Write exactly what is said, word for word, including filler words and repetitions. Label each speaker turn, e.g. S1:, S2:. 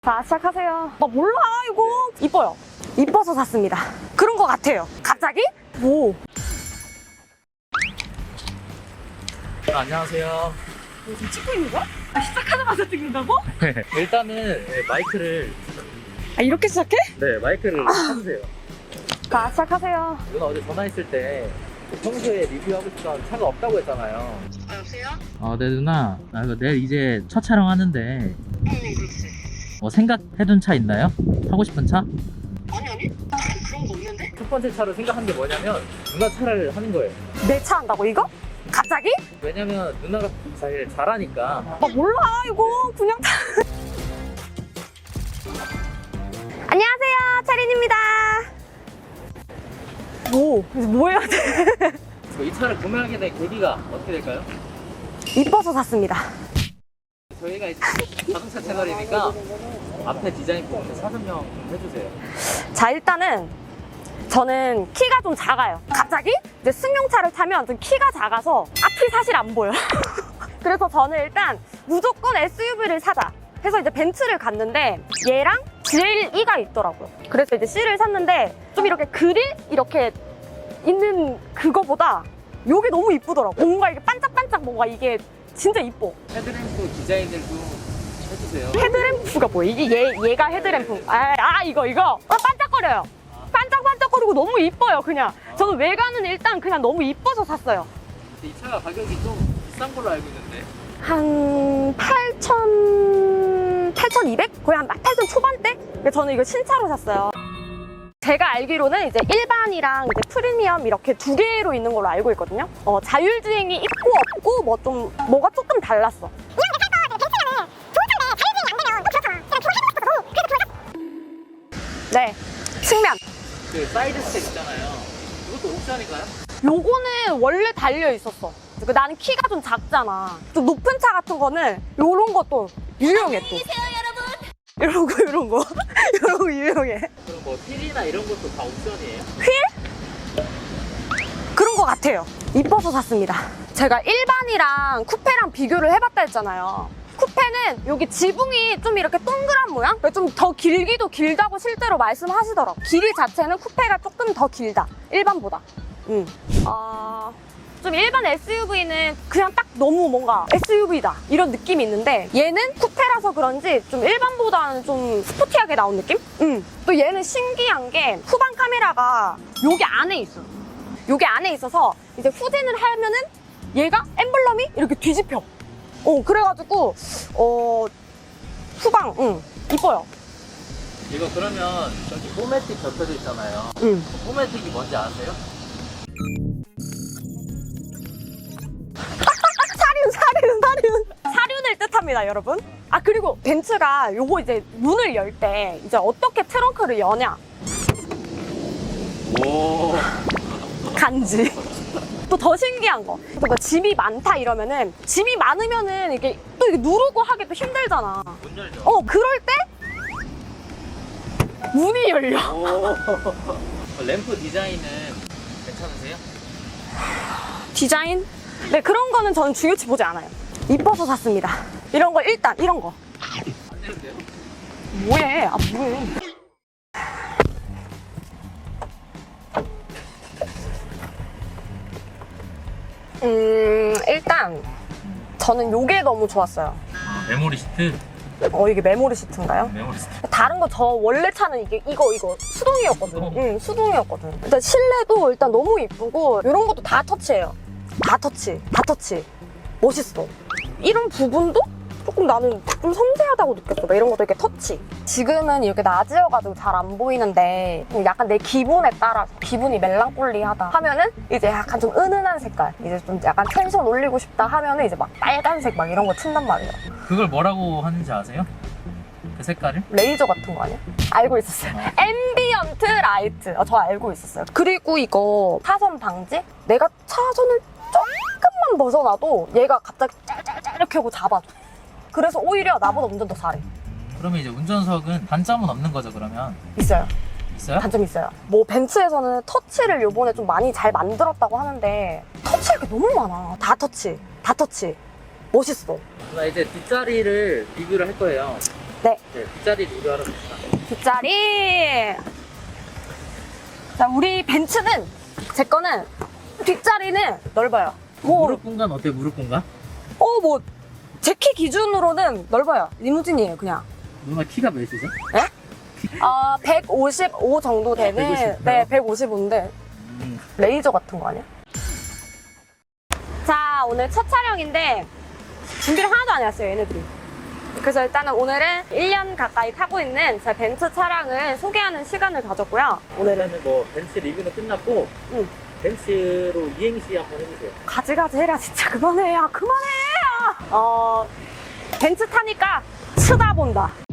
S1: 자, 시작하세요. 나 몰라, 이거. 이뻐요. 이뻐서 샀습니다. 그런 거 같아요. 갑자기? 뭐.
S2: 아, 안녕하세요.
S1: 뭐 지금 찍고 있는 거야? 아, 시작하자마자 찍는다고?
S2: 일단은 네, 마이크를
S1: 아, 이렇게 시작해?
S2: 네 마이크를 찾으세요.
S1: 자, 시작하세요.
S2: 누나 어제 전화했을 때 평소에 리뷰하고 싶던 차가 없다고 했잖아요.
S3: 아, 여보세요?
S2: 아, 네 누나. 나 이거 내일 이제 첫 촬영하는데
S3: 응, 그렇지.
S2: 뭐 생각해둔 차 있나요? 사고 싶은 차?
S3: 아니, 아니? 그런 거 없는데?
S2: 첫 번째 차로 생각한 게 뭐냐면 누나 차를 하는 거예요.
S1: 내 차 한다고, 이거? 갑자기?
S2: 왜냐면 누나가 제일 잘하니까.
S1: 나 몰라, 이거. 그냥. 안녕하세요, 차린입니다. 뭐, 뭐 해야 돼?
S2: 이 차를 구매하게 된 계기가 어떻게 될까요?
S1: 이뻐서 샀습니다.
S2: 저희가 이제 자동차 채널이니까 앞에 디자인 부분 사설명 좀 해주세요.
S1: 자, 일단은 저는 키가 좀 작아요. 갑자기 이제 승용차를 타면 좀 키가 작아서 앞이 사실 안 보여. 그래서 저는 일단 무조건 에스유브이를 사자 해서 이제 벤츠를 갔는데 얘랑 지엘이가 있더라고요. 그래서 이제 C를 샀는데 좀 이렇게 그릴 이렇게 있는 그거보다 이게 너무 이쁘더라고. 뭔가 이게 반짝반짝 뭔가 이게 진짜 이뻐.
S2: 헤드램프 디자인들도 해주세요.
S1: 헤드램프가 뭐야? 이게 얘, 얘가 헤드램프. 아, 아 이거 이거. 어, 반짝거려요. 반짝반짝거리고 너무 이뻐요, 그냥. 저는 외관은 일단 그냥 너무 이뻐서 샀어요.
S2: 근데 이 차가 가격이 좀 비싼 걸로 알고 있는데.
S1: 한 팔천, 팔천이백? 거의 한 팔천 초반대? 근데 저는 이거 신차로 샀어요. 제가 알기로는 이제 일반이랑 이제 프리미엄 이렇게 두 개로 있는 걸로 알고 있거든요. 어, 자율주행이 있고 없고 뭐 좀 뭐가 조금 달랐어. 네, 측면.
S2: 그 사이드 스텝 있잖아요. 이것도 옵션인가요?
S1: 요거는 원래 달려 있었어. 그 나는 키가 좀 작잖아. 좀 높은 차 같은 거는 요런 것도 유용해 또. 이런 거 이런 거 이런 거 유용해.
S2: 그럼 뭐 휠이나 이런 것도 다 옵션이에요?
S1: 그런 거 같아요. 이뻐서 샀습니다. 제가 일반이랑 쿠페랑 비교를 해봤다 했잖아요. 쿠페는 여기 지붕이 좀 이렇게 동그란 모양? 좀 더 길기도 길다고 실제로 말씀하시더라고요. 길이 자체는 쿠페가 조금 더 길다. 일반보다. 음. 어... 좀 일반 에스유브이는 그냥 딱 너무 뭔가 에스유브이다 이런 느낌이 있는데 얘는 쿠페라서 그런지 좀 일반보다는 좀 스포티하게 나온 느낌? 음. 또 얘는 신기한 게 후방 카메라가 여기 안에 있어. 여기 안에 있어서 이제 후진을 하면은 얘가 엠블럼이 이렇게 뒤집혀. 어, 그래가지고 어 후방 응 이뻐요.
S2: 이거 그러면 저기 포매틱 겹쳐져 있잖아요.
S1: 응.
S2: 포매틱이 뭔지 아세요?
S1: 사륜 사륜 사륜 사륜을 뜻합니다, 여러분. 아, 그리고 벤츠가 요거 이제 문을 열 때 이제 어떻게 트렁크를 여냐
S2: 오.
S1: 간지. 또 더 신기한 거, 뭐 짐이 많다 이러면은 짐이 많으면은 이게 또 이게 누르고 하기 또 힘들잖아.
S2: 문 열죠?
S1: 어, 그럴 때 문이 열려.
S2: 오. 램프 디자인은 괜찮으세요?
S1: 디자인? 네, 그런 거는 저는 중요치 보지 않아요. 이뻐서 샀습니다. 이런 거 일단 이런 거.
S2: 안 되는데요?
S1: 뭐해? 아, 뭐해? 음, 일단 저는 요게 너무 좋았어요.
S2: 아, 메모리 시트?
S1: 어, 이게 메모리 시트인가요?
S2: 메모리 시트.
S1: 다른 거 저 원래 차는 이게 이거 이거 수동이었거든.
S2: 수동?
S1: 응, 수동이었거든. 일단 실내도 일단 너무 이쁘고 이런 것도 다 터치예요. 다 터치, 다 터치. 멋있어. 이런 부분도 조금 나는 좀 섬세하다고 느꼈어. 막 이런 것도 이렇게 터치. 지금은 이렇게 낮이어가지고 잘 안 보이는데 약간 내 기분에 따라서 기분이 멜랑콜리하다 하면은 이제 약간 좀 은은한 색깔, 이제 좀 약간 텐션 올리고 싶다 하면은 이제 막 빨간색 막 이런 거 튄단 말이에요.
S2: 그걸 뭐라고 하는지 아세요? 그 색깔을?
S1: 레이저 같은 거 아니야? 알고 있었어요. 앰비언트 라이트. 어, 저 알고 있었어요. 그리고 이거 차선 방지? 내가 차선을 조금만 벗어나도 얘가 갑자기 짤짤짤 이렇게 하고 잡아줘. 그래서 오히려 나보다 운전 더 잘해.
S2: 그러면 이제 운전석은 단점은 없는 거죠, 그러면?
S1: 있어요.
S2: 있어요?
S1: 단점이 있어요. 뭐 벤츠에서는 터치를 요번에 좀 많이 잘 만들었다고 하는데 터치가 이렇게 너무 많아. 다 터치. 다 터치. 멋있어.
S2: 나 이제 뒷자리를 리뷰를 할 거예요.
S1: 네.
S2: 네, 뒷자리 리뷰하러 갑시다.
S1: 뒷자리. 자, 우리 벤츠는, 제 거는, 뒷자리는 넓어요. 뭐,
S2: 무릎 공간 어때요, 무릎 공간?
S1: 어, 뭐, 제 키 기준으로는 넓어요. 리무진이에요, 그냥.
S2: 누나 키가 몇이죠?
S1: 네? 아, 백오십오 정도 되는,
S2: 백오십오요?
S1: 네, 백오십오인데,
S2: 음.
S1: 레이저 같은 거 아니야? 자, 오늘 첫 촬영인데, 준비를 하나도 안 해왔어요, 얘네들이. 그래서 일단은 오늘은 일 년 가까이 타고 있는 제 벤츠 차량을 소개하는 시간을 가졌고요. 오늘은
S2: 오늘은 뭐 벤츠 리뷰는 끝났고
S1: 응.
S2: 벤츠로 이행시 한번 해주세요.
S1: 가지가지 해라, 진짜. 그만해. 야, 그만해. 어, 벤츠 타니까 쳐다본다.